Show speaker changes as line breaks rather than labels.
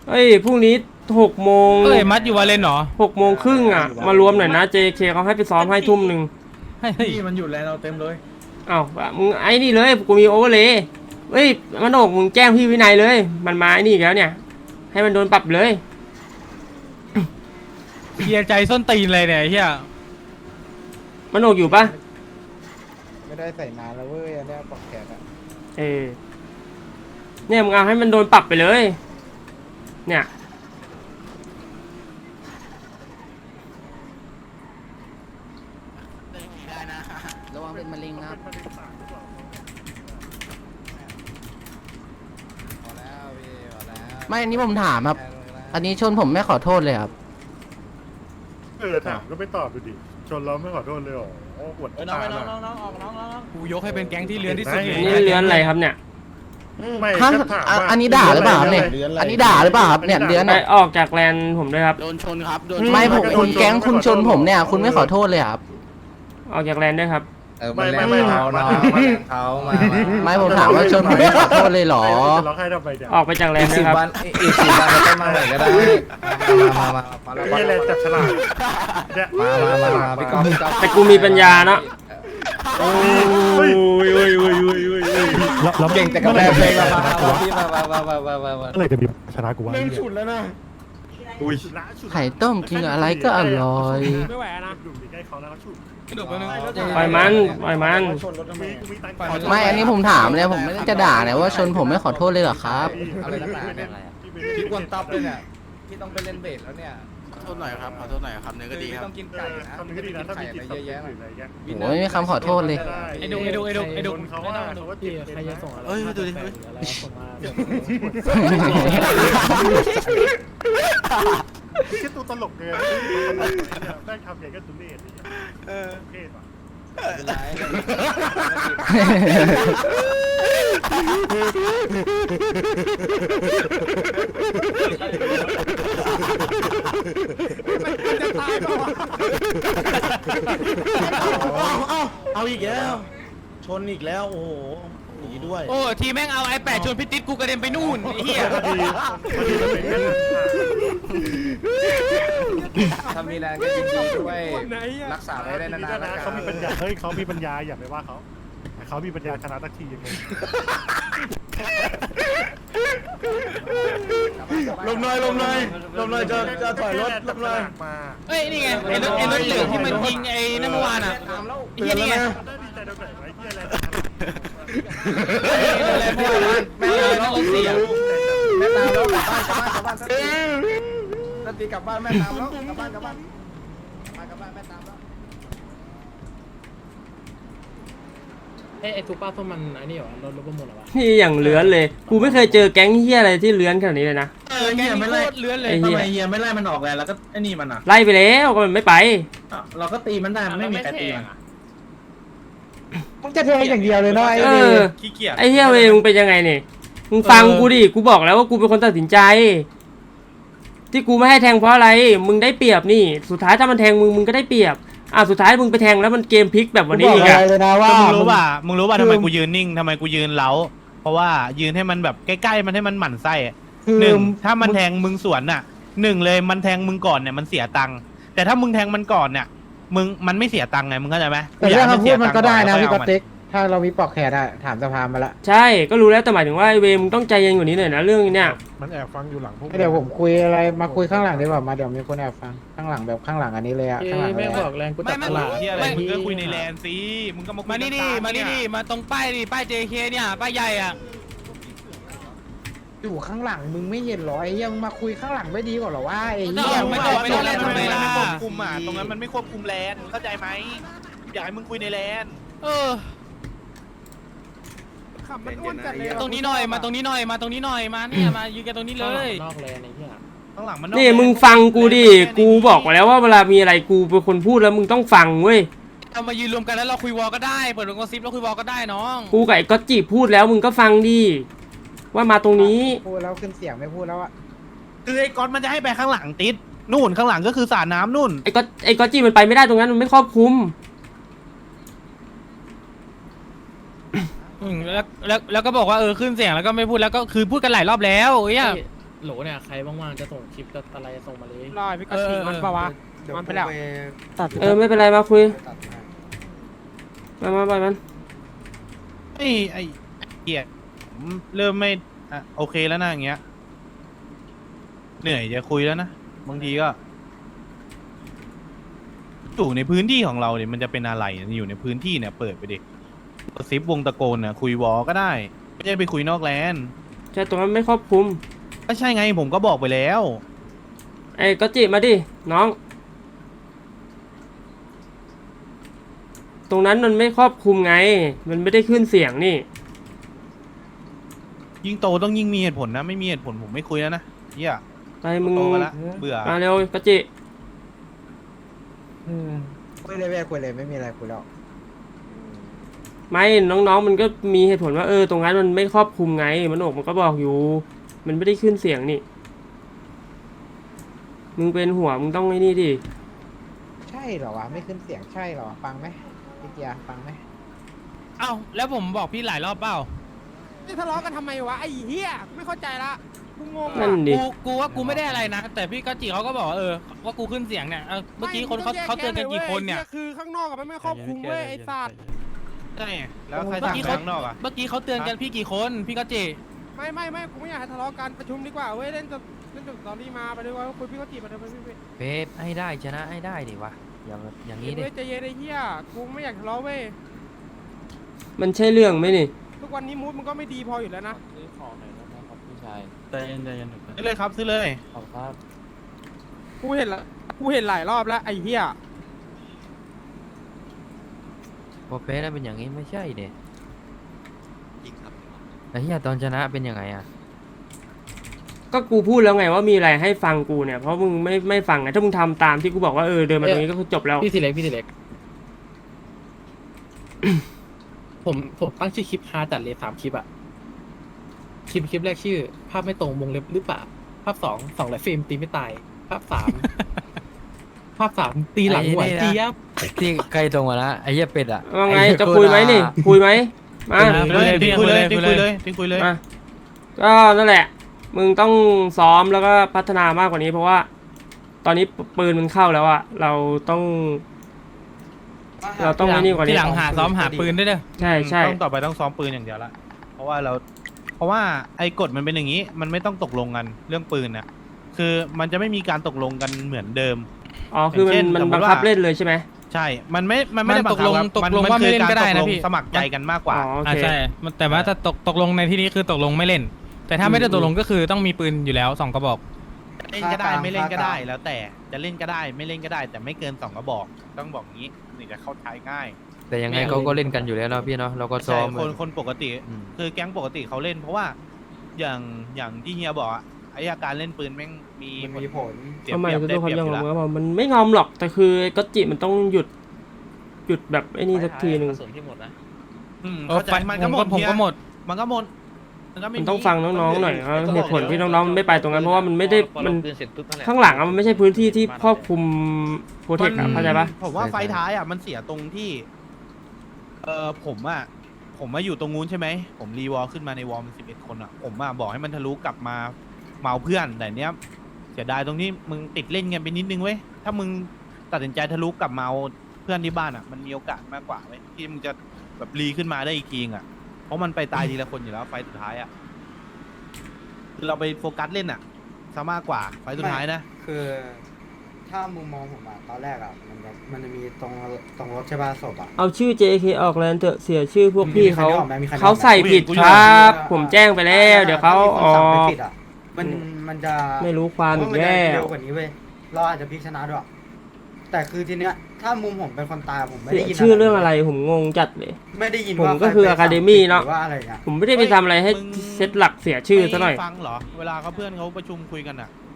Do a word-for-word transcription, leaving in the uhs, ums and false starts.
เอ้ยพรุ่งนี้หกโมง
เอ้ยมัดอยู่วาเลนเหรอ
หกโมงครึ่งอ่ะมารวมหน่อยนะ เจ เค เขาให้ไปซ้อมให้ทุ่มหนึ่ง
เฮ้ย
พี่มันอยู่แลนเราเต็มเลย
อ้าวมึงไอ้นี่เลยกูมีโอเวอร์เลยเฮ้ยมันโอกมึงแจ้งพี่วินัยเลย มันมาไอ้นี่อีกแล้วเนี่ย ให้มันโดนปรับเลย
เฮียใจส้นตีนเลยเนี่ยเฮีย
มันโอกอยู่ปะ
ไม่ได้ใส่นานแล้วเว้ยอันเนี้ยปอกแขนอะ
เออเนี่ยมึงเอาให้มันโดนปรับไปเลย เนี่ย
ระวังเป็นมะเร็งครับไม่อันนี้ผมถามครับ อันนี้ชนผมไม่ขอโทษเลยครับ
เออถามก็ไม่ตอบดูดิชนเราไม่ขอโทษเลยเหรอโอ้ปวด
เอ้ยน้อง
ตา
น้อง
ห
น้
น่
อ
อง ย
น้องออกน้องน้อง
กูยกให้เป็นแก๊งที่เลือนที่สุดเลย
นี่เลื้อนอะไรครับเนี่ย
ไม่
ฮะ
ก็ถาม
อ่ะ
ว่า
อันนี้ด่าหรือเปล่าครับเนี่ย อันนี้ด่าหรือเปล่าครับเนี่ยเดือน
ไป
เนี่ย
ออกจากแลนด์ผมด้วยครับ
โดนชนครับโดนไม่ผมคุณแก๊งคุณชนผมเนี่ย คุณไม่ขอโทษเลยครับ
ออกจากแลนด์ด้วยครับ
ไม่ไม่ไม่ถามว่า
เขามา
ไม่ผมถามว่าชนผมไม่ขอโทษเลยเหรอ
จะร้องไห้ทำไมเนี่ย
ออกไปจากแลน
อีก
ด์ด้
สิ
วย
บ
ครับ
วันอีกสิบวันเราต้องมาใหม่ก็ได้มามามามา
ไม่ใช่แรงจับฉลากเนี่ย
มามามามาพี่ก๊อฟพี่ก๊อฟ
แต่กูมีปัญญาเนาะ
โอ้ยโอ้ยโอ้ยโอ้ยโอ้ยโอ้ย
เก่งแต่กับแรงเพลงมามาพี่มามามามามามา
อะไรจะมีชนะกูวะ
เริ่มฉุดแล้วนะ
อุ้ย
ไข่ต้มกินอะไรก็อร่อย
ไม่ไหวนะ
ดูดิใกล้เขาแล้วเขาฉุด
กระดูกไปนึง
ปล่อยมันปล่อยมัน
ชนรถทำไม
กูมีตังค์
ไม่ อันนี้ผมถามเลยผมไม่ได้จะด่าเนี่ยว่าชนผมไม่ขอโทษเลยเหรอครับ
อะไรนักหนาเนี่ยพี่กวนตับเลยเนี่ยพี่ต้องไปเล่นเบสแล้วเนี่ย
ขอโทษหน่อยครับ ขอโทษหน่อยครับเนื้อก็ดีครับ
ต้องกินไก่นะ
คำนึงก็ดีนะถ้ามีจิต
เยอะแยะ
หรืออะไรเงี้ย
โอ้ยไม่มีคำขอโทษเลย
ไอ้ดุกไอ้ดุกไอ้ดุกไอ้ดุก
เขาว่าเขาว่าจิตใครจะส่งอะไร
เอ้ยดูดิ
คิดตัวตลกเลยแม่งทำอย่างก็ตุเรศเออเทศว่ะ
เป็นไร
จะตายเปล่าวะ
เอาเอาอีกแล้ว ชนอีกแล้ว โอ้โหหนีด้วย
โอ้ทีแม่งเอาไอ้แปดชนพิติษกูกระเด็นไปนู่นไอ้เหี้ย
พอดีพอดีมันเป็นเรื่อง
ถ้ามีแรงก็ยินดีด้วยรักษาไว้ได้นานๆนะ
เขามีปัญญาเฮ้ยเขามีปัญญาอย่าไปว่าเขาเขามีปัญญาชนะสักทียังไง
ลมหน่อยลมหน่อยลมหน่อยจะจะถอยรถลมหน่อย
มา
เอ้ยนี่ไงไอ้รถไอ้รถเหลืองที่มันยิงไอ้นั่นเมื่อวานอ่ะไอ้เหี้ยนี่ไง
ได้ดีใจตรงไหนไว้ที่อะไร
อะไรเมื่อวานแม่งเลยต้องรถเสีย
แม่ตามแล้วกลับบ้านกลับบ้านกลับบ้านสักทีสักทีกลับบ้านแม่ตามแล้วกลับบ้านกลับบ้านมากลับบ้านแม่ตามแล้ว
ไอ้ไอ้ทูป้าส้มมันไอ้นี่เหรอรถรถประมูลเหรอวะ
นี่อย่างเลื้อนเลย กูไม่เคยเจอแก๊งเฮียอะไรที่เลื้อนขนาดนี้เลยนะ
เออเฮียไม่ไล่
โคตรเลื้อนเลย
ไอ้
ทำ
เหี้ย
ไมเฮียไม่ไล่มันออกแล้วแล้วก็ไอ้นี่มันอ่ะ
ไล่ไปแล้วก็มันไม่ไป
อ่ะเราก็ตีมันได้มันไม่มีใครตีมัน
มึงจะแทงอย่างเดียวเลยเนาะไอ้
เอ
เว
อ
ขี้เกียจ
ไอ้เฮียเวมึงเป็นยังไงเนี่ยมึงฟังกูดิ กูบอกแล้วว่ากูเป็นคนตัดสินใจ ที่กูไม่ให้แทงเพราะอะไร มึงได้เปรียบนี่ สุดท้ายถ้ามันแทงมึงมึงก็ได้เปรียบ อ่ะสุดท้ายมึงไปแทงแล้วมันเกมพลิกแบบวันนี้
กูบ
อี
อก
ก
อะ
อะ
ไรเลยนะว่า
มึงรู้ป่ะมึงรู้ป่ะ
คือ
ทำไมกูยืนนิ่งทำไมกูยืนเล้าเพราะว่ายืนให้มันแบบใกล้ๆมันให้มันหมั่นไส้อะ
คือ
หนึ่งถ้ามันแทงมึงสวนน่ะหนึ่งเลยมันแทงมึงก่อนเนี่ยมันเสียตังค์แต่ถ้ามึงแทงมันก่อนเนี่ยมึงมันไม่เสียตังค์ไงมึงเข้าใจไหม
แต่เรื่อง
กูยา
คำ
ให้
พูดมันก็ได้นะ
เสีย
พี่
ตั
ก
ง
อ
ค์
ตติ๊กถ้าเรามีปอกแขนอะถามสภามาละ
ใช่ก็รู้แล้วแต่หมายถึงว่าไอ้เวมึงต้องใจเย็นกว่านี้หน่อยนะเรื่องเนี้ย
มันแอบฟังอยู่หลังพวก
เดี๋ยวผมคุยอะไรมาคุยข้างหลังดีกว่ามาเดี๋ยวมีคนแอบฟังข้างหลังแบบข้างหลังอันนี้เลยอะ
เอ้
ข้างหลัง
ย
เล
แม่
ย
ง
อะ
บอกแรงกู
ไม่
จับ
ไม่
ตลาด
ที่อะไร
ไม่
มึงก็คุยในแลนด์สิมึงก็มาคุย
มานี่ดิ
กลงๆ
มานี่ดิ
เย
มาตรงป้ายดิป้าย เจ เค เนี่ยป้ายใหญ่อ่ะ
อยู่ข้างหลังมึงไม่เห็นเหรอไอ้เหี้ยมึงมาคุยข้างหลังไม่ดีกว่าเหรอว่าไอ้
ก็
เหี้ย
เอา
มึ
ไม่
ง
ต้อง
มา
ไม่ต้องเล่นทำไมล่ะ
ควบคุมอ่ะตรงนั้นมันไม่ควบคุมแลนเข้าใจไหมอยากให้มึงคุยในแลน
เออตรงนี้หน่อยมาตรงนี้หน่อยมาตรงนี้หน่อยมาเนี่ยมายืนกันตรงนี้เลย
นอกแลนไอ้เหี้ย
ข้างหลังมัน
นี่มึงฟังกูดิ กูบอกมาแล้วว่าเวลามีอะไรกูเป็นคนพูดแล้วมึงต้องฟังเว้ย
เรามายืนรวมกันแล้วเราคุยวอลก็ได้เปิดวงกลมซิปแล้วคุยวอลก็ได้น้อง
กูกับไอ้ก๊อตจีพูดแล้วมึงก็ฟังดิว่ามาตรงนี้
พูดแล้วขึ้นเสียงไม่พูดแล้วอะ
คือไอ้ก๊อตมันจะให้ไปข้างหลังติดนู่นข้างหลังก็คือสระน้ำนู่น
ไอ้ก๊อตไอ้ก๊อตจีมันไปไม่ได้ตรงนั้นมันไม่ครอบคลุม
อืมแล้วแล้วแล้วก็บอกว่าเออขึ้นเสียงแล้วก็ไม่พูดแล้วก็คือพูดกันหลายรอบแล้วเอ้ย
โหลเนี่ยใครว่างๆจะส่งคลิปจะอะไรส่งมาเลย
รอยพี่ก็ฉีกมันปะวะมันไปแล้ว
เออไม่เป็นไรมาคุยมามาไปมัน
ไอ้ไอ้เกียร์ผมเริ่มไม่อ่ะโอเคแล้วนะอย่างเงี้ยเหนื่อยจะคุยแล้วนะบางทีก็อยู่ในพื้นที่ของเราเนี่ยมันจะเป็นอะไรอยู่ในพื้นที่เนี่ยเปิดไปดิกระซิบวงตะโกนเนี่ยคุยวอก็ได้ไม่ใช่ไปคุยนอกแลนด์
ใช่ตรงนั้นไม่ครอบคลุม
ก็ใช่ไงผมก็บอกไปแล้ว
ไอ้ก็จิมาดิน้อง ตรงนั้นมันไม่ครอบคลุมไง มันไม่ได้ขึ้นเสียงนี่
ยิ่งโตต้องยิ่งมีเหตุผลนะไม่มีเหตุผลผมไม่คุยแล้วนะเฮีย
ไปมึง
โตมาละเบื่อ
มาเร็วก็จิ
คุยเลยแม่คุยเลยไม่มีอะไรคุยแล้ว
ไม่น้องๆมันก็มีเหตุผลว่าเออตรงนั้นมันไม่ครอบคลุมไงมันอกมันก็บอกอยู่ มันไม่ได้ขึ้นเสียงนี่มึงเป็นหัวมึงต้องไอ้นี่ดิ
ใช่เหรอวะไม่ขึ้นเสียงใช่เหรอฟังไหมพี่เกียร์ฟังไหม
เอ้าแล้วผมบอกพี่หลายรอบเปล่า
นี่ทะเลาะกันทำไมวะไอ้เหี้ยไม่เข้าใจละกูงง
นั่
ว่ะ
นดิ
กูกูว่ากูไม่ได้อะไรนะ แต่พี่ก็จีเขาก็บอกว่าเออว่ากูขึ้นเสียงเนี่ยเออเมื่อกี้คนเขาเขาเตือนกันกี่คนเนี่ย
ไอ้คือข้างนอกกับมันไม่ครอบคลุมเว้ยไอ้สัตว์
ใช่แล้วใครสั่งไปข้างนอกอ่ะ
เมื่อกี้เขาเตือนกันพี่กี่คนพี่ก็จี
ไม่ไม่ไม่กูไม่อยากให้ทะเลาะกันประชุมดีกว่าเว้ยเล่นจบเล่นจบตอรี่มาไปด้วยว่าคุยพี่ก็จีบมาเถอะไปพี่พี่
เบสให้ได้ชนะให้ได้ดิวะอย่างอย่างนี้ดิ
เว้ยใจเย็นไอ้เหี้ยกูไม่อยากทะเลาะเว้ย
มันใช่เรื่องไหมนี่
ทุกวันนี้มูดมันก็ไม่ดีพออยู่แล้วนะ
ซื้อของหน่อยนะครับพี่ชาย
ใจเย็นใจเย็น
ซื้อเลยครับซื้อเลย
ขอบครับ
กูเห็นละกูเห็นหลายรอบแล้วไอ้เหี้ย
พอเบสเป็นอย่างนี้ไม่ใช่เด็ไอ้เหี้ยตอนชนะเป็นยังไงอ่ะ
ก็กูพูดแล้วไงว่ามีอะไรให้ฟังกูเนี่ยเพราะมึงไม่ไม่ฟังไงถ้ามึงทำตามที่กูบอกว่าเออเดินมาตรงนี้ก็คือจบแล้ว
พี่สิเล็กพี่สิเล็ก ผมผมตั้งชื่อคลิปฮาจัดเลยสามคลิปอะคลิปคลิปแรกชื่อ ภาพไม่ตรงวงเล็บหรือเปล่าภาพสองสองไหลเฟรมตีไม่ตาย ภาพสาม ภาพสามตีหลังหัวเจี๊ยบ
ที่ใกล้ตรงมาละไอ้เหี้ยเป็ดอ่ะ
ว่าไงจะคุยไหมนี่คุยไหมมา
คุยเลยทิ้งคุยเลยทิ้งคุยเลยทิ้งคุยเลย
มาก็นั่นแหละ มึงต้องซ้อมแล้วก็พัฒนามากกว่านี้เพราะว่า ตอนนี้ปืนมันเข้าแล้วอะเราต้อง เราต้องไอ้นี่กว่านี้
ที่หลังหาซ้อมหาปืนด้วยเด้อ
ใช่ใช่
ต้องต่อไปต้องซ้อมปืนอย่างเดียวละ เพราะว่าเรา เพราะว่าไอ้กฎมันเป็นอย่างนี้ มันไม่ต้องตกลงกันเรื่องปืนน่ะ คือมันจะไม่มีการตกลงกันเหมือนเดิม
อ๋อคือ
อย่างเช่
มัน
น
มัน
สมมุ
บัง
ติว่า
คับเล่นเลยใช่ไหม
ใช่ มันไม่ มันไม่ได้
มันตกลง
บัคับ
ตกลง
น
ว่าไม่เล่นก็ได้นะ
คือารต
พี่
สมัครใจกันมากกว่า
อ๋อโอ
อ่า
เค
ใช่มันแต่ว่าถ้าตกตกลงในที่นี้คือตกลงไม่เล่น แต่ถ้าไม่ได้ตกลงก็คือต้องมีปืนอยู่แล้วสองกระบอก
เล่นก็ได้ไม่เล่นก็ได้แล้วแต่จะเล่นก็ได้ไม่เล่นก็ได้ แต่ไม่เกินสองกระบอก ต้องบอกงี้นี่จะเข้าใจง่าย
แต่ยังไงเขาก็เล่นกันอยู่แล้วเนาะพี่เนาะเราก็ซ้
ใช่
อม
คนคนปกติ
อืม
คือแก๊งปกติเขาเล่น เพราะว่าอย่างอย่างที่เฮียบอกอะไอ้อาการเล่นปืนแม่งมี
มีผล
เสีย
ทำไม
เปรียบ
จะ
ได้
ดูค
เป
วาม
รียบ
ยอม
อยู่
รับ
แล้ว
ว่ามันไม่งอมหรอกแต่คือก็จิมันต้องหยุด หยุดแบบไอ้นี่สักทีหนึ่ง
ส่วนที่หมดนะ
อืม
เออ
เข้าใจ
ไฟ
มัน
ผ
ก็
ม
หม
ก็
ด
ผม
เฮีย
ก็หมด
มันก็หมดมันก็ไม่
มันต้องฟังน้องๆหน่อยว่าเหตุผลที่น้องๆไม่ไปตรงนั้นเพราะว่ามันไม่ได้
พอ
มั
เรา
น
เตือนเสร็จปุ๊บนั่นแหละ
ข้างหลังอะมันไม่ใช่พื้นที่ที่ครอบคลุมโปรเทคอะเข้าใจปะ
ผมว่า
ใช่
ไฟท้ายอ่ะมันเสียตรงที่ เออผมอ่ะผมมาอยู่ตรงนู้นใช่ไหมผมรีวอลขึ้นมาในวอลมันสิบเอ็ดคนอ่ะผมอ่ะบอกให้มันทะลุกลับมาเมาเพื่อนแต่เนี้ยเสียดายตรงที่มึงติดเล่นกันไปนิดนึงเว้ยถ้ามึงตัดสินใจทะลุกลับมาเอาเพื่อนที่บ้านอ่ะมันมีโอกาสมากกว่าเว้ยที่มึงจะแบบรีขึ้นมาได้อีกทีอ่ะเพราะมันไปตายทีละคนอยู่แล้วไฟสุดท้ายอ่ะคือเราไปโฟกัสเล่นอ่ะซะมากกว่าไฟสุดท้ายนะ
คือถ้ามุมมองผมอะตอนแรกอะมันจะมันจะมีตรงตรงรถใช่ป่ะศพอะ
เอาชื่อ เจ เค ออกแลนเถอะเสียชื่อพวกพี่เขา
มีใครนึกออกไหมมีใครนึกออกไหม
เขาใส่ผิดครับ ผมแจ้งไปแล้วเดี๋ยวเขาอ
ถ้
อ
มีคนสั่งไป
ก
ผิดอะมันมันจะ
ไม่รู้ความอีก
เพระน
แล้
จะเร็
ว
วกว่านี้เว้ยเราอาจจะพลิกชนะด้วยแต่คือทีเนี้ยถ้ามุมผมเป็นคนตายผมไม่
เสี
ได้
ย
ยิน
ชื่อเรื่องอะไรผมงงจัดเลย
ไม่ได้ยิน
ผม
ว่า
ก็คือ
ใรไปสั่ง
Academy
ผิด
เนอะ
หรือว่าอะไรเงี้ย
ผมไม่ได้ไปทำอะไรให้
มึง
เซตหลักเสียชื่อซะหน่อย
ไม่ฟังเหรอ เวลาเขาเพื่อนเขาประชุมคุยกันอ่ะ